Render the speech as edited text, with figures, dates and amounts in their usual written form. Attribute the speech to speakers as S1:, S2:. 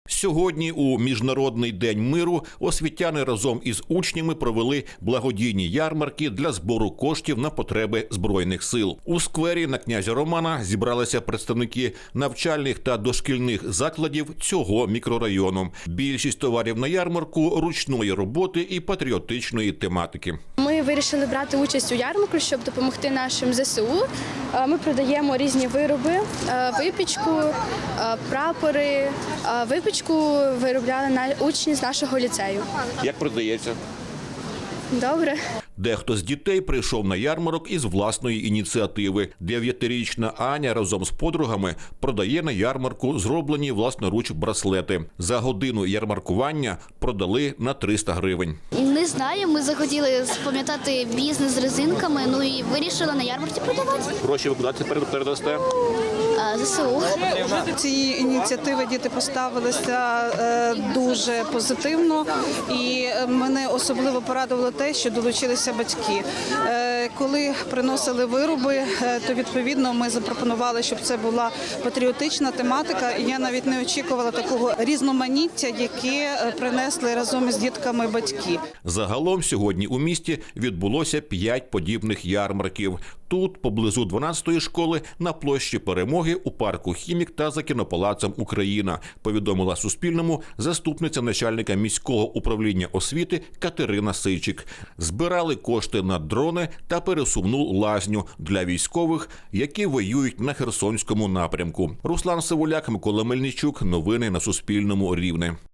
S1: Сьогодні у Міжнародний день миру освітяни разом із учнями провели благодійні ярмарки для збору коштів на потреби Збройних сил. У сквері на князя Романа зібралися представники навчальних та дошкільних закладів цього мікрорайону. Більшість товарів на ярмарку ручної роботи і патріотичної тематики.
S2: Ми вирішили брати участь у ярмарку, щоб допомогти нашим ЗСУ. Ми продаємо різні вироби, випічку, прапори. Випічку виробляли учні з нашого ліцею.
S1: Як продається?
S2: Добре.
S1: Дехто з дітей прийшов на ярмарок із власної ініціативи. 9-річна Аня разом з подругами продає на ярмарку зроблені власноруч браслети. За годину ярмаркування продали на 300 гривень.
S3: Не знаю, ми захотіли запам'ятати бізнес з резинками, і вирішили на ярмарці продавати.
S1: Гроші ви куди тепер передасте?
S3: ЗСУ.
S4: Цієї ініціативи діти поставилися дуже позитивно, і мене особливо порадувало те, що долучилися батьки. Коли приносили вироби, то відповідно ми запропонували, щоб це була патріотична тематика. І я навіть не очікувала такого різноманіття, яке принесли разом із дітками батьки.
S1: Загалом сьогодні у місті відбулося 5 подібних ярмарків. Тут, поблизу 12-ї школи, на площі Перемоги, у парку «Хімік» та за кінопалацем «Україна», повідомила Суспільному заступниця начальника міського управління освіти Катерина Сичик. Збирали кошти на дрони та пересувну лазню для військових, які воюють на Херсонському напрямку. Руслан Сивуляк, Микола Мельничук. Новини на Суспільному. Рівне.